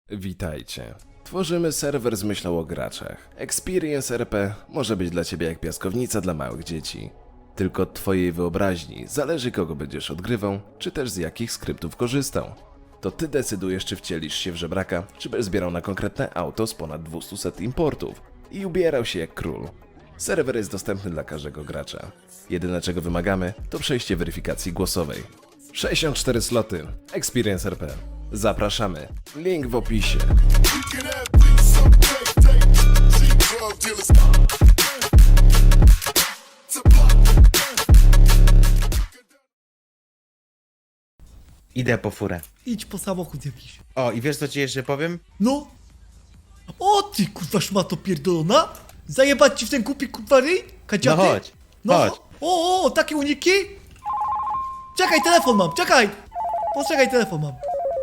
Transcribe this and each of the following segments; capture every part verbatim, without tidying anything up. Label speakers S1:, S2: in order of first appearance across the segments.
S1: Witajcie. Tworzymy serwer z myślą o graczach. Experience R P może być dla ciebie jak piaskownica dla małych dzieci. Tylko od twojej wyobraźni zależy, kogo będziesz odgrywał, czy też z jakich skryptów korzystał. To ty decydujesz, czy wcielisz się w żebraka, czy będziesz zbierał na konkretne auto z ponad dwieście importów i ubierał się jak król. Serwer jest dostępny dla każdego gracza. Jedyne, czego wymagamy, to przejście weryfikacji głosowej. sześćdziesiąt cztery sloty. Experience R P. Zapraszamy. Link w opisie.
S2: Idę po furę.
S3: Idź po samochód jakiś.
S2: O, i wiesz co ci jeszcze powiem?
S3: No. O ty kurwa szmato pierdolona. Zajebać ci w ten głupi kurwa ryj? Kaciaty?
S2: No chodź,
S3: No.
S2: chodź.
S3: O, o, takie uniki? Czekaj, telefon mam, czekaj. Poczekaj, telefon mam.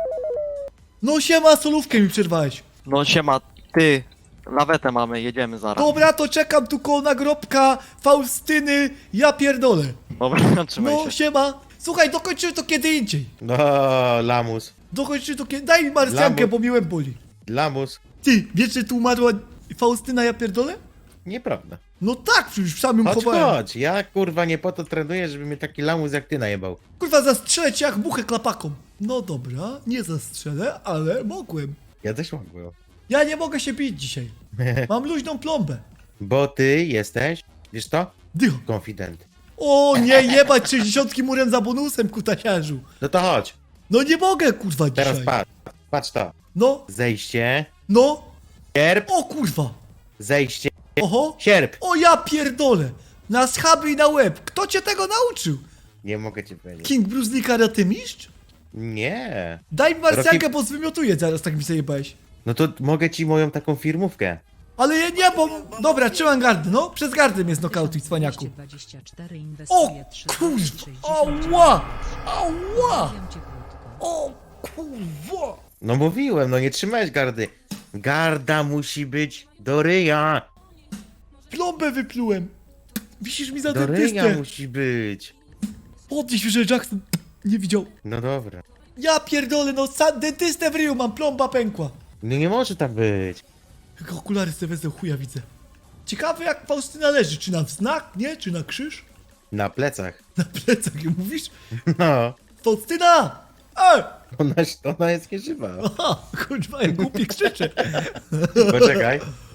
S3: No siema, solówkę mi przerwałeś.
S4: No siema, ty, lawetę mamy, jedziemy zaraz.
S3: Dobra, to czekam tu koło nagrobka Faustyny, ja pierdolę.
S4: Dobra, trzymaj
S3: No
S4: się.
S3: siema. Słuchaj, dokończymy to kiedy indziej.
S2: No, lamus.
S3: Dokończymy to kiedy... Daj mi marsjankę,
S2: Lambo-
S3: bo mi łeb boli.
S2: Lamus.
S3: Ty, wiesz, że tu umarła Faustyna, ja pierdolę?
S2: Nieprawda.
S3: No tak, przecież sam ją
S2: Chodź,
S3: chowałem.
S2: chodź. Ja kurwa nie po to trenuję, żeby mnie taki lamus jak ty najebał.
S3: Kurwa, zastrzelę cię jak muchę klapaką. No dobra, nie zastrzelę, ale mogłem.
S2: Ja też mogłem.
S3: Ja nie mogę się bić dzisiaj. Mam luźną plombę.
S2: Bo ty jesteś, wiesz to?
S3: Dycho.
S2: Konfident.
S3: O nie, jebać sześćdziesiątki murem za bonusem, kutasiarzu.
S2: No to chodź.
S3: No nie mogę, kurwa, dzisiaj.
S2: Teraz patrz. Patrz to.
S3: No,
S2: Zejście.
S3: no.
S2: Sierp.
S3: O kurwa.
S2: Zejście.
S3: Oho.
S2: Sierp.
S3: O ja pierdolę. Na schaby i na łeb. Kto cię tego nauczył?
S2: Nie mogę ci powiedzieć.
S3: King Bruce Lee karate mistrz?
S2: Nie.
S3: Daj mi marsjankę,
S2: Rocky-
S3: bo zwymiotuję zaraz, tak mi zajebałeś.
S2: No to mogę ci moją taką firmówkę.
S3: Ale ja nie, bo... Dobra, trzymam gardę, no. Przez gardę mnie znokautuj, cwaniaku.
S5: dwadzieścia cztery
S3: O
S5: inwestuje trzy
S3: kurwa! Ała! Ała! O kurwa!
S2: No mówiłem, no nie trzymałeś gardy. Garda musi być do ryja.
S3: Plombę wyplułem! Wisisz mi za
S2: Do ryja
S3: dentystę!
S2: musi być.
S3: Podnieś, że Jackson nie widział.
S2: No dobra.
S3: Ja pierdolę, no sam dentystę w ryju mam, plomba pękła.
S2: No nie może tak być.
S3: Jak okulary sobie wezmę, chuja widzę. Ciekawe jak Faustyna leży, czy na znak, nie? Czy na krzyż?
S2: Na plecach.
S3: Na plecach, jak mówisz?
S2: No.
S3: Faustyna! Ej!
S2: Ona, ona jest nieżywa.
S3: Aha, kurwa, jak głupi krzyczę.
S2: Poczekaj.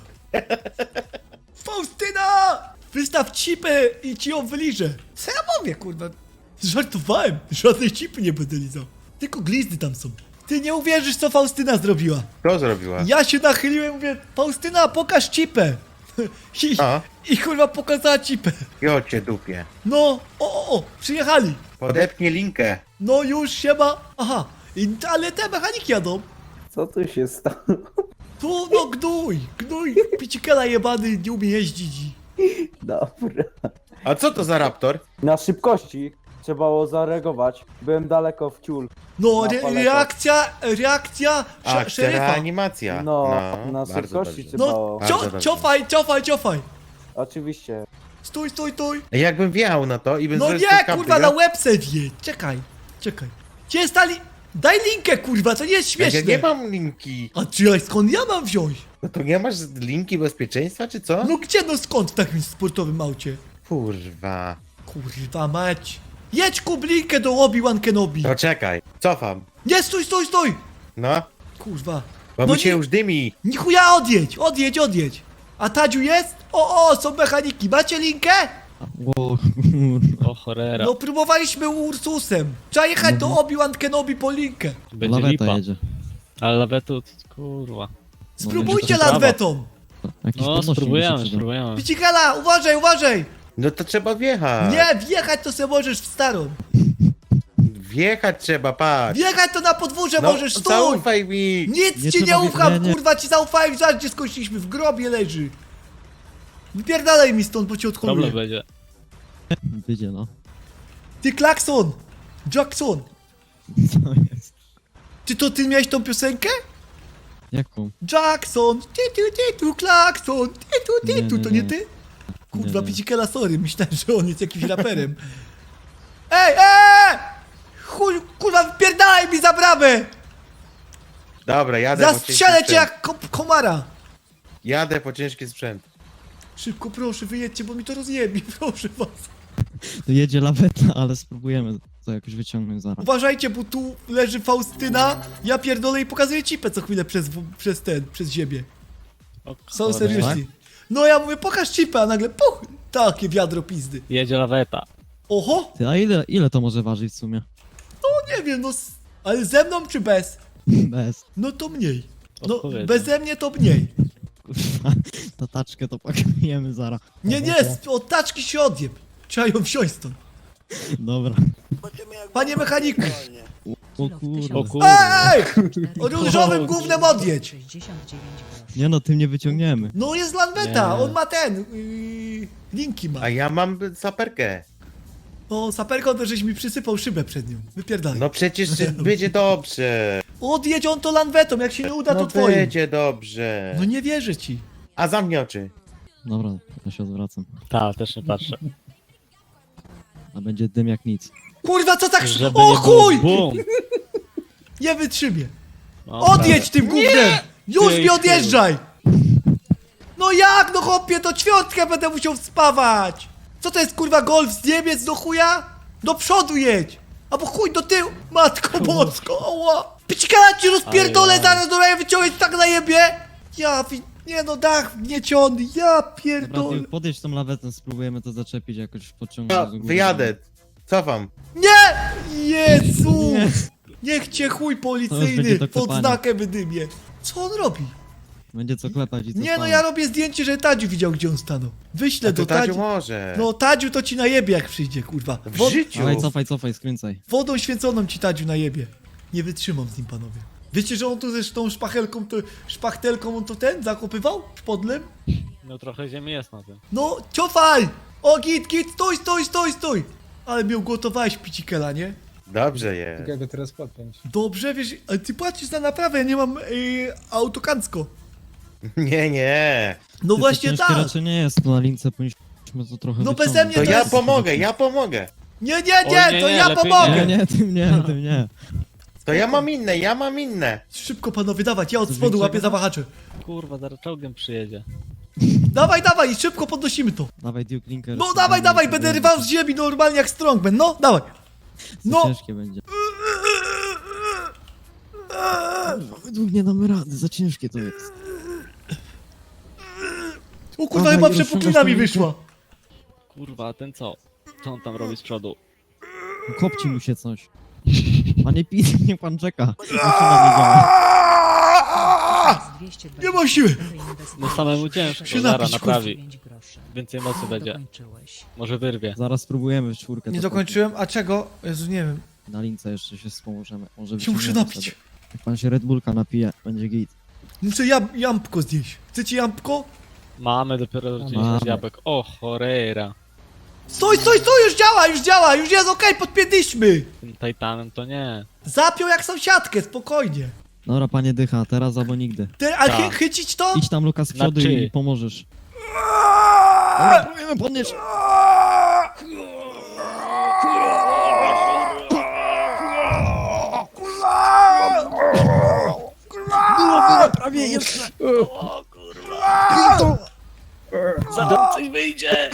S3: Faustyna! Wystaw cipę i ci ją wyliżę. Co ja mówię, kurwa? Żartowałem. Żadnej cipy nie będę lizał. Tylko glizdy tam są. Ty nie uwierzysz, co Faustyna zrobiła.
S2: Kto zrobiła?
S3: Ja się nachyliłem i mówię, Faustyna, pokaż cipę. I,
S2: A?
S3: i kurwa pokazała cipę.
S2: Jo cię dupie.
S3: No, o, o, o, przyjechali.
S2: Podepnie linkę.
S3: No już, siema. Aha, I, ale te mechaniki jadą.
S6: Co tu się stało?
S3: Tu, no gnój, gnój. Picikela jebany, nie umie jeździć.
S6: Dobra.
S2: A co to za raptor?
S6: Na szybkości trzeba było zareagować. Byłem daleko w ciul.
S3: No,
S6: Na
S3: re,
S6: paletach.
S3: reakcja, reakcja sze,
S2: Akcja
S3: szeryfa.
S2: reanimacja.
S6: No, na
S2: bardzo
S6: szybkości
S2: dobrze.
S6: trzeba
S3: No,
S6: było.
S2: Bardzo
S3: cio,
S2: dobrze.
S3: ciofaj, ciofaj, ciofaj.
S6: Oczywiście.
S3: Stój, stój, stój.
S2: Jakbym wjechał na to i bym
S3: No
S2: zrobił
S3: nie,
S2: z tej
S3: kurwa,
S2: kapy,
S3: na
S2: ja-
S3: łeb se wje. Czekaj, czekaj. Gdzie stali? Daj linkę, kurwa, to nie jest
S2: Jak
S3: śmieszne.
S2: ja nie mam linki.
S3: A czy ja, skąd ja mam wziąć?
S2: No to nie masz linki bezpieczeństwa, czy co?
S3: No gdzie, no skąd w takim sportowym aucie?
S2: Kurwa.
S3: Kurwa mać. Jedź kublinkę do Obi-Wan Kenobi.
S2: To czekaj. Cofam.
S3: Nie, stój, stój, stój.
S2: No.
S3: Kurwa.
S2: Bo
S3: No
S2: mi się
S3: nie-
S2: już dymi.
S3: Ni chuja, odjedź, odjedź, odjedź. A Tadziu jest? O, o, są mechaniki. Macie linkę?
S7: O, o cholera.
S3: No próbowaliśmy Ursusem. Trzeba jechać do Obi-Wan Kenobi po linkę.
S7: Będzie
S8: Laweta
S7: lipa.
S8: jedzie.
S7: Ale lawetu, kurwa.
S3: Spróbujcie
S8: będzie to
S3: lawetą.
S8: Jakiś
S7: No,
S8: podnośnik
S7: spróbujemy,
S8: musi
S7: spróbujemy.
S3: Picikela, uważaj, uważaj.
S2: No to trzeba wjechać.
S3: Nie, wjechać to se możesz w starą.
S2: Wjechać trzeba, patrz.
S3: Wjechać to na podwórze
S2: No,
S3: możesz, stój.
S2: zaufaj mi.
S3: Nic
S8: Nie
S3: ci nie
S8: trzeba
S3: ufam,
S8: wjechania.
S3: kurwa, ci zaufałem, zaraz gdzie skończyliśmy, w grobie leży. Wypierdalaj mi stąd, bo cię
S7: Problem
S3: odcholuję.
S7: będzie.
S8: Wyjdzie, no.
S3: Ty klakson, Jackson,
S8: Co jest?
S3: czy to ty miałeś tą piosenkę?
S8: Jaką?
S3: Jackson, ty tu, ty tu, klakson, ty tu, ty
S8: Nie,
S3: tu,
S8: nie,
S3: to nie
S8: nie.
S3: ty? Kurwa,
S8: Nie, nie.
S3: Picikela, sorry, myślałem, że on jest jakimś raperem. Ej, ej! Chuj, kurwa, wypierdalaj mi za bramę!
S2: Dobra, jadę po ciężki
S3: Zastrzelę cię
S2: sprzęt.
S3: jak ko komara!
S2: Jadę po ciężki sprzęt.
S3: Szybko, proszę, wyjedźcie, bo mi to rozjebie, proszę was.
S8: To jedzie laweta, ale spróbujemy to jakoś wyciągnąć zaraz.
S3: Uważajcie, bo tu leży Faustyna, ja pierdolę i pokazuję cipę co chwilę przez, przez ten, przez ziemię.
S7: O,
S3: Są
S7: cholera.
S3: seriously. No ja mówię, pokaż cipę, a nagle puch, takie wiadro pizdy.
S7: Jedzie laweta.
S3: Oho,
S8: Ty, a ile, ile to może ważyć w sumie?
S3: no nie wiem, no, s- ale ze mną czy bez?
S8: Bez.
S3: No to mniej. No,
S7: Odpowiednio.
S3: beze mnie to mniej.
S8: Kurwa, ta taczkę to pakujemy zaraz.
S3: Nie, nie, z- od taczki się odjeb. Trzeba ją wziąć stąd.
S8: Dobra.
S3: Panie mechaniku,
S8: O kurde.
S7: O kurde.
S3: ej! O różowym gównem odjedź.
S8: Nie no, tym nie wyciągniemy.
S3: No jest Lanweta,
S7: Nie.
S3: on ma ten, yy, linki ma.
S2: A ja mam saperkę.
S3: O, saperką to żeś mi przysypał szybę przed nią. Wypierdalaj.
S2: No przecież będzie dobrze.
S3: Odjedź on to Lanwetą, jak się nie uda to
S2: No
S3: twoim.
S2: będzie dobrze.
S3: No nie wierzę ci.
S2: A zamknij oczy.
S8: Dobra, ja się odwracam.
S7: Ta, też nie patrzę.
S8: A będzie dym jak nic.
S3: Kurwa, co tak...
S7: Żeby
S3: O
S7: nie było
S3: chuj!
S7: Bum!
S3: Nie wytrzymię.
S7: Dobra.
S3: Odjedź tym gównem! Już
S7: Ty
S3: mi
S7: chuj.
S3: odjeżdżaj! No jak, no chłopie, to ćwiątkę będę musiał spawać! Co to jest, kurwa, golf z Niemiec do chuja? Do przodu jedź! Albo chuj do tyłu! Matko bosko, oła! Picikala ci rozpierdolę,
S7: Ajaj.
S3: zaraz do raja wyciągnąć tak na jebie! Ja, wi- nie no, dach wgnieciony, ja
S8: Dobra,
S3: pierdolę.
S8: ty podjedź tą lawetę, spróbujemy to zaczepić jakoś pociągnąć
S2: No,
S8: do góry.
S2: wyjadę. Cofam.
S3: Nie! Jezu!
S8: Nie.
S3: Niech cię chuj
S8: To już
S3: policyjny
S8: będzie do
S3: pod
S8: klepania.
S3: znakiem wydymie. Co on robi?
S8: Będzie co klepać i co
S3: Nie no,
S8: spalać.
S3: ja robię zdjęcie, że Tadziu widział, gdzie on stanął. Wyślę
S2: A to
S3: do
S2: Tadziu
S3: Tadziu.
S2: może.
S3: No Tadziu to ci najebie jak przyjdzie, kurwa.
S2: W
S3: Wod
S2: życiu.
S8: Dawaj, cofaj, cofaj, skręcaj.
S3: wodą święconą ci Tadziu najebie. Nie wytrzymam z nim, panowie. Wiecie, że on tu ze tą szpachelką, to, szpachtelką on to ten zakopywał? Szpodlem?
S7: No trochę ziemi jest na tym.
S3: No, ciofaj! O, git, git, stój, stój, stój, stój! Ale mnie ugotowałeś, picikela, nie?
S2: Dobrze jest.
S5: Jak go teraz podpiąć?
S3: Dobrze, wiesz, ale ty płacisz za naprawę, ja nie mam yy, autokancko.
S2: Nie, nie.
S3: No
S8: Ty,
S3: właśnie
S8: to ciężkie
S3: tak!
S8: raczej nie jest, to na lince powinniśmy to trochę
S3: No beze
S8: wyciągnąć.
S3: mnie
S2: To
S3: to
S2: ja
S3: jest-
S2: pomogę, ja pomogę.
S3: Nie, nie,
S7: O,
S3: nie,
S7: nie,
S3: to
S7: nie,
S3: ja
S7: lepiej
S3: pomogę!
S8: Nie, nie, tym nie, tym nie.
S2: To ja mam inne, ja mam inne.
S3: Szybko, panowie, dawać, ja od
S8: Coś
S3: spodu
S8: większego?
S3: łapię za wahacze.
S7: Kurwa, zaraz czołgiem przyjedzie.
S3: Dawaj, dawaj, szybko podnosimy to.
S8: Dawaj Duke Linker.
S3: No
S8: spróbujemy
S3: dawaj, dawaj,
S8: to
S3: będę
S8: zrobić.
S3: rwał z ziemi normalnie jak Strongman, no, dawaj.
S8: To
S3: No.
S8: ciężkie będzie. Kurwa, według nie damy rady, za ciężkie to jest.
S3: O kurwa,
S8: Dawaj,
S3: chyba
S8: rozciągasz
S3: przepuklina mi
S8: tą
S3: wyszła.
S7: Kurwa, a ten co? Co on tam robi z przodu?
S8: Kopci mu się coś. Panie Pit, nie pan czeka. Maszyna nie działa.
S3: Nie mam siły.
S7: No samemu ciężko,
S3: Się
S7: zaraz
S3: napić,
S7: naprawi. Więcej mocy będzie. Może wyrwie.
S8: Zaraz spróbujemy w czwórkę.
S3: Nie
S8: to
S3: dokończyłem, a czego? Jezu, nie wiem.
S8: kopnąć. Na lince jeszcze się wspomożemy. Może
S3: Się muszę
S8: wyciągniemy
S3: napić.
S8: wtedy. Jak pan się Red Bullka napije, będzie git.
S3: Muszę jam, jampko zjeść. Chcecie jampko?
S7: Mamy dopiero dziesięć
S8: Mamy.
S7: jabłek. O, cholera.
S3: Stój, stój, stój, już działa, już działa, już jest okej, podpięliśmy.
S7: Tym Titanem to nie.
S3: Zapiął jak sąsiadkę, spokojnie.
S8: Dobra, panie Dycha, teraz albo nigdy.
S3: Ty, ale chy,
S7: Tak.
S3: chycić to?
S8: Idź tam Lukas z przodu
S7: Znaczy-
S8: i pomożesz. Dobra, próbujemy podnieść. Prawie jeszcze.
S7: Zaraz coś wyjdzie!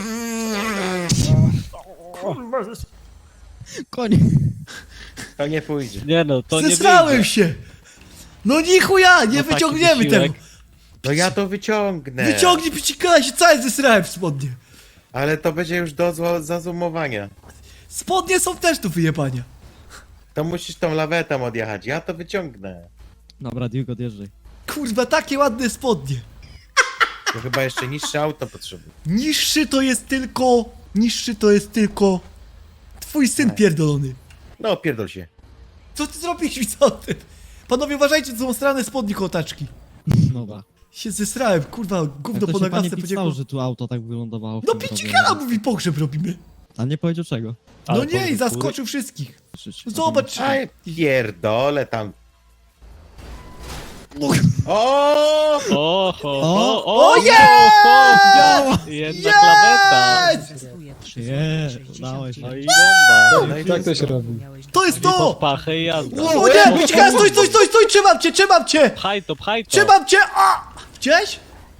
S8: Koniec.
S2: To nie pójdzie.
S7: Nie no, to nie
S3: Zesrałem
S7: wyjdzie.
S3: się. No ni chuja, nie
S7: No taki
S3: wyciągniemy
S7: wysiłek.
S3: tego.
S2: To ja to wyciągnę.
S3: Wyciągnij picikala, się cały zesrałem w spodnie.
S2: Ale to będzie już do zło- zazumowania.
S3: Spodnie są też do wyjebania.
S2: To musisz tą lawetą odjechać, ja to wyciągnę.
S8: Dobra, Duke, odjeżdżaj.
S3: Kurwa, takie ładne spodnie.
S2: To chyba jeszcze niższe auto potrzebuję.
S3: Niższy to jest tylko... Niższy to jest tylko... Twój syn pierdolony.
S2: No, pierdol się.
S3: Co ty zrobiłeś, co ty? Panowie, uważajcie, to są strane spodnie kołtaczki.
S8: Dobra.
S3: Się zesrałem, kurwa,
S8: Jak
S3: gówno
S8: to
S3: po
S8: się panie
S3: nagasce
S8: Pit
S3: podziękował.
S8: stało, że tu auto tak wylądowało? w
S3: No
S8: tym
S3: picikala
S8: robieniu?
S3: mówi, pogrzeb robimy.
S8: A nie powiedział czego?
S3: No
S7: Ale
S3: nie, i
S7: powiem,
S3: zaskoczył wszystkich.
S8: Krzycz.
S3: Zobacz.
S2: Aj, pierdolę tam. O!
S7: Oho,
S8: O!
S7: o, o,
S3: O,
S7: jest! Jedna klaweta!
S3: Jest!
S8: Nie, udało się.
S7: No i bomba.
S2: No i
S5: Tak to się robi.
S3: To jest
S7: I pod
S3: to!
S7: pachę i jazda.
S3: O nie! Czekaj, stój, stój, stój, stój! Trzymam cię, trzymam cię!
S7: Pchaj to, pchaj to.
S3: Trzymam cię! A! Gdzieś?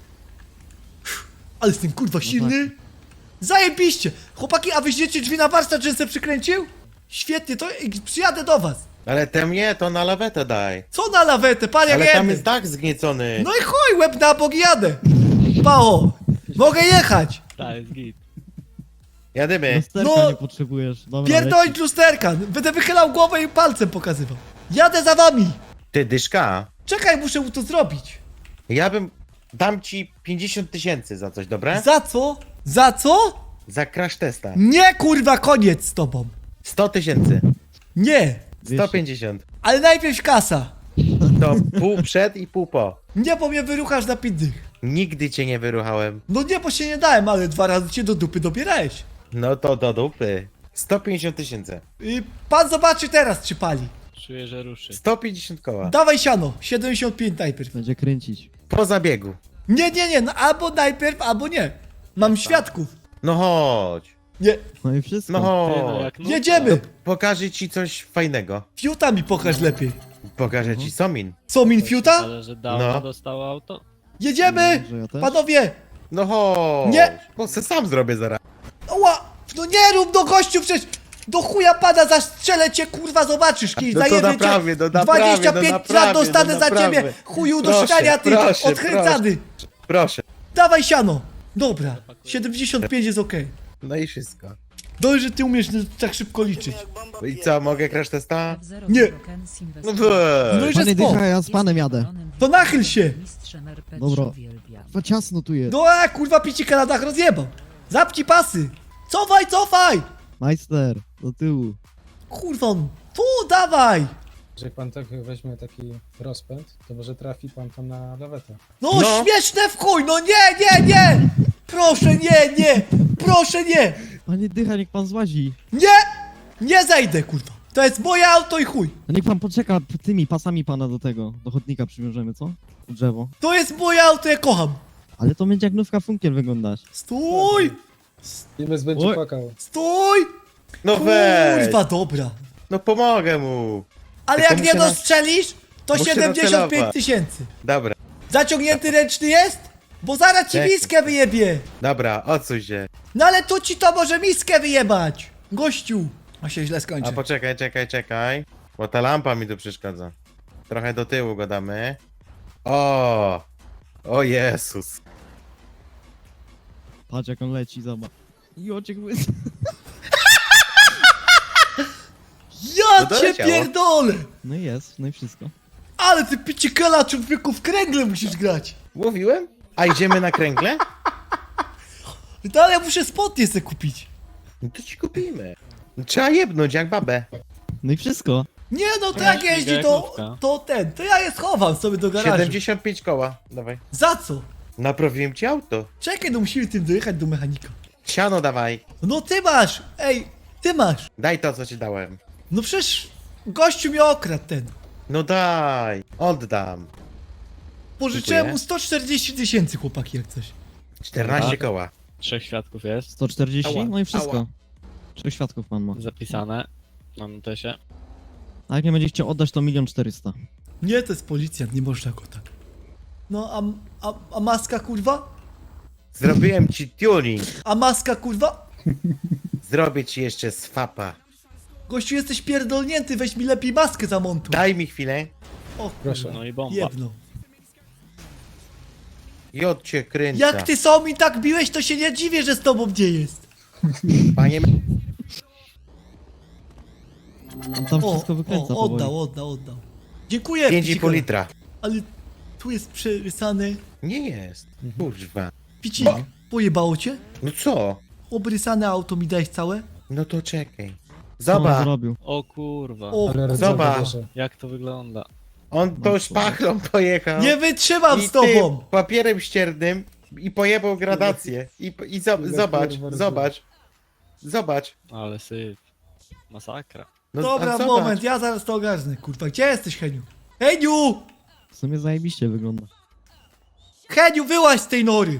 S3: Ale jestem kurwa silny. Zajebiście! Chłopaki, a wyjdziecie drzwi na warsztat, że se przykręcił? Świetnie, to przyjadę do was.
S2: Ale te mnie to na lawetę daj.
S3: Co na lawetę, pan jak
S2: Ale tam
S3: jedę.
S2: jest dach zgniecony.
S3: No i chuj, łeb na bok i jadę. Pało, mogę jechać.
S7: Tak, jest git.
S2: Jadymy.
S8: Lusterka
S3: No,
S8: nie potrzebujesz. Dobra,
S3: Pierdolić lusterka. Będę wychylał głowę i palcem pokazywał. Jadę za wami.
S2: Ty, dyszka.
S3: Czekaj, muszę mu to zrobić.
S2: Ja bym... Dam ci pięćdziesiąt tysięcy za coś, dobre?
S3: Za co? Za co?
S2: Za crash testa.
S3: Nie, kurwa, koniec z tobą.
S2: sto tysięcy.
S3: Nie,
S2: sto pięćdziesiąt.
S3: ale najpierw kasa.
S2: To pół przed i pół po.
S3: Nie, bo mnie wyruchasz na pindych.
S2: Nigdy cię nie wyruchałem.
S3: No nie, bo się nie dałem, ale dwa razy cię do dupy dobierałeś.
S2: No to do dupy. sto pięćdziesiąt tysięcy.
S3: I pan zobaczy teraz, czy pali.
S7: Czuję, że ruszy.
S2: sto pięćdziesiąt koła.
S3: Dawaj siano, siedemdziesiąt pięć najpierw.
S8: Będzie kręcić.
S2: Po zabiegu.
S3: Nie, nie, nie, no albo najpierw, albo nie. Mam świadków.
S2: No chodź.
S3: Nie,
S8: No i wszystko.
S2: No
S7: Ty, no
S2: chodź.
S7: jak no,
S3: jedziemy.
S2: Pokażę ci coś fajnego.
S3: Fiuta mi pokaż lepiej.
S2: Pokażę ci somin.
S3: Co, min fiuta?
S7: Ale że dawno
S2: No.
S7: dostało auto.
S3: Jedziemy!
S8: Że ja też?
S3: Panowie!
S2: No chodź.
S3: Nie.
S2: Bo se sam zrobię zaraz.
S3: Oła! No nie rób do gościu przecież! Do chuja pada, zastrzelę cię, kurwa, zobaczysz kiedyś,
S2: No to
S3: zajebię
S2: naprawię,
S3: cię.
S2: no naprawię,
S3: dwadzieścia
S2: no
S3: pięć
S2: naprawię,
S3: lat dostanę
S2: no
S3: za ciebie,
S2: naprawię.
S3: chuju do
S2: Proszę,
S3: szczania, ty,
S2: proszę,
S3: odkręcany.
S2: Proszę.
S3: Dawaj siano. Dobra, siedemdziesiąt pięć jest okej.
S2: No i wszystko.
S3: Dobrze, że ty umiesz tak szybko liczyć.
S2: No i co, mogę crash testa?
S3: Nie.
S2: No
S3: No
S2: weź.
S3: i że
S8: Panie
S3: spoko.
S8: dycha, ja z panem jadę.
S3: To nachyl się.
S8: Dobra. Za ciasno tu jest.
S3: No a kurwa picika na dach rozjebał. Zapci pasy. Cofaj, cofaj.
S8: Majster, do tyłu.
S3: Kurwa, on. Tu, dawaj.
S5: Że pan tak weźmie taki rozpęd, to może trafi pan tam na lawetę.
S3: No,
S2: No.
S3: śmieszne w chuj, no nie, nie, nie! Proszę, nie, nie! Proszę, nie!
S8: Panie dycha, niech pan złazi.
S3: Nie! Nie zejdę, kurwa. To jest moje auto i chuj.
S8: No niech pan poczeka tymi pasami pana do tego. Do chodnika przywiążemy, co? Drzewo.
S3: To jest moje auto, ja kocham.
S8: Ale to będzie jak nówka funkiel wyglądać.
S3: Stój!
S5: Imes będzie
S8: Oj.
S5: płakał.
S3: Stój!
S2: No weź.
S3: Kurwa, dobra.
S2: No pomogę mu.
S3: Ale
S2: Tylko
S3: jak nie
S2: muszę na-
S3: dostrzelisz, to
S2: muszę
S3: siedemdziesiąt pięć
S2: nacelować.
S3: tysięcy.
S2: Dobra,
S3: Zaciągnięty ręczny jest? Bo zaraz ci
S2: Czekaj.
S3: miskę wyjebie.
S2: dobra, odsuń się.
S3: No ale tu ci to może miskę wyjebać. Gościu. A się źle
S2: A
S3: skończy.
S2: poczekaj, czekaj, czekaj. Bo ta lampa mi tu przeszkadza. Trochę do tyłu go damy. O! O Jezus.
S8: Patrz jak on leci, zobacz. I oczek łys.
S3: Ja
S2: No
S3: cię
S2: doleciało.
S3: pierdolę.
S8: No i jest, no i wszystko.
S3: Ale ty picikala człowieku w kręgle musisz grać.
S2: Mówiłem? A idziemy na kręgle?
S3: No ale ja muszę spodnie sobie kupić.
S2: No to ci kupimy. Trzeba jebnąć jak babę.
S8: No i wszystko.
S3: Nie no, to
S7: Ja
S3: jak
S7: śmigę
S3: jeździ,
S7: jak
S3: to,
S7: nówka.
S3: to ten, to ja je schowam sobie do garażu.
S2: siedemdziesiąt pięć koła. Dawaj.
S3: Za co?
S2: Naprawiłem ci auto.
S3: Czekaj, no musimy tym dojechać do mechanika.
S2: Siano dawaj.
S3: No ty masz, ej, ty masz.
S2: Daj to, co ci dałem.
S3: No przecież gościu mnie okradł ten.
S2: No daj. Oddam.
S3: Pożyczyłem
S2: Dziękuję.
S3: mu sto czterdzieści tysięcy, chłopaki, jak coś.
S2: czternaście
S7: Tak.
S2: koła.
S7: Trzech świadków jest.
S8: sto czterdzieści,
S2: Ała,
S8: no i wszystko.
S2: ała.
S8: Trzech świadków pan ma.
S7: Zapisane. Mam też się.
S8: A jak nie będzie chciał oddać, to milion czterysta.
S3: Nie, to jest policjant, nie można go tak. No, a, a, a maska, kurwa?
S2: Zrobiłem ci tuning.
S3: A maska, kurwa?
S2: Zrobię ci jeszcze swapa.
S3: Gościu, jesteś pierdolnięty, weź mi lepiej maskę zamontuj.
S2: Daj mi chwilę.
S3: O,
S5: Proszę.
S7: No i bomba.
S3: jedno.
S2: I od cię kręca.
S3: Jak ty są mi tak biłeś, to się nie dziwię, że z tobą gdzie jest.
S2: Panie...
S8: On tam
S3: O,
S8: wszystko wykręca
S3: o, oddał,
S8: powoli.
S3: oddał, oddał. Dziękuję,
S2: pięć i pół
S3: Picikala.
S2: litra.
S3: Ale tu jest przerysane.
S2: Nie jest. Kurwa.
S3: Picik, pojebało cię?
S2: No co?
S3: Obrysane auto mi dałeś całe?
S2: No to czekaj.
S8: Co on
S2: Zobacz.
S8: zrobił?
S7: O kurwa.
S3: O,
S5: Ale rdza
S2: Zobacz.
S5: bierze.
S7: Jak to wygląda?
S2: On to szpachlą pojechał.
S3: nie wytrzymam
S2: I
S3: z tobą!
S2: tym papierem ściernym i pojebał gradację. I, i zo- zobacz, zobacz. Zobacz.
S7: Ale syf. Masakra.
S2: No,
S3: Dobra,
S2: a zobacz.
S3: moment, ja zaraz to ogarnę, kurwa. Gdzie jesteś, Heniu? Heniu!
S8: W sumie zajebiście wygląda.
S3: Heniu, wyłaź z tej nory!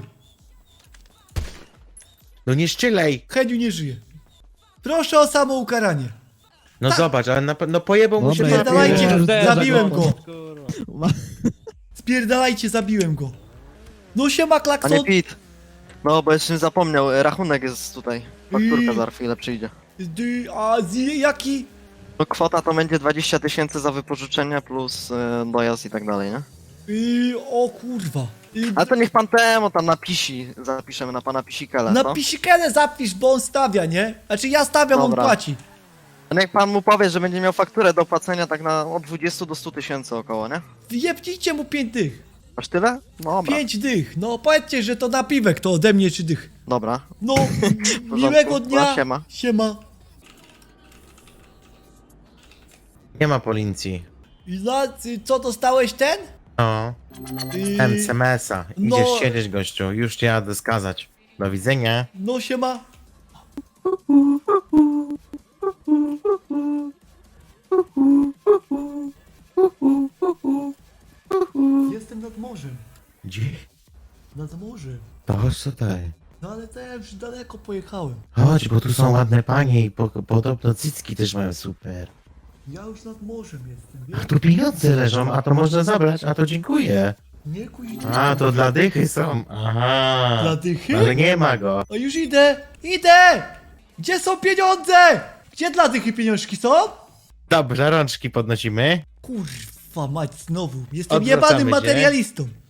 S2: No nie szczylej!
S3: Heniu nie żyje. Proszę o samoukaranie.
S2: No zobacz, ale na, pe- no pojebał mu się
S8: Dobra,
S2: papier.
S3: Spierdalajcie,
S8: Pierdolę.
S3: zabiłem go.
S7: Kurwa.
S3: Spierdalajcie, zabiłem go. No siema,
S4: Panie
S3: klakson.
S4: Pit. No, bo jeszcze zapomniał, e, rachunek jest tutaj. Fakturka
S3: I-
S4: za chwilę przyjdzie.
S3: Dy- A z jaki?
S4: No kwota to będzie dwadzieścia tysięcy za wypożyczenie plus e, dojazd i tak dalej, nie?
S3: Y, o kurwa. Y,
S4: Ale to niech pan temu tam napisi, zapiszemy na pana Pisikele,
S3: na
S4: no?
S3: pisikelę zapisz, bo on stawia, nie? Znaczy ja stawiam,
S4: Dobra.
S3: on płaci.
S4: A niech pan mu powie, że będzie miał fakturę do płacenia tak na od dwudziestu do stu tysięcy około, nie?
S3: Jebnijcie mu pięć dych.
S4: Aż tyle? No dobra,
S3: Pięć dych. No powiedzcie, że to na piwek, to ode mnie trzy dych.
S4: dobra.
S3: No, miłego dnia.
S4: No, siema.
S3: Siema.
S2: Nie ma policji.
S3: I za, y, co dostałeś ten?
S2: No,
S3: Y,
S2: M S a.
S3: no-
S2: Idziesz siedzieć, gościu. Już cię jadę skazać. Do widzenia.
S3: No siema. Jestem nad morzem.
S2: Gdzie?
S3: Nad morzem.
S2: To chodź tutaj.
S3: No ale to ja już daleko pojechałem.
S2: Chodź, bo tu są ładne panie i po, podobno cycki też mają super.
S3: Ja już nad morzem jestem,
S2: A
S3: wiesz?
S2: tu pieniądze leżą, a to można zabrać, a to dziękuję.
S3: Nie kuźni.
S2: A, to dla dychy są. Aha.
S3: Dla dychy?
S2: Ale nie ma go.
S3: A już idę! Idę! Gdzie są pieniądze? Gdzie dla dychy pieniążki są?
S2: Dobrze, rączki podnosimy.
S3: Kurwa mać znowu. Jestem
S2: Odwracamy
S3: jebanym
S2: się.
S3: materialistą.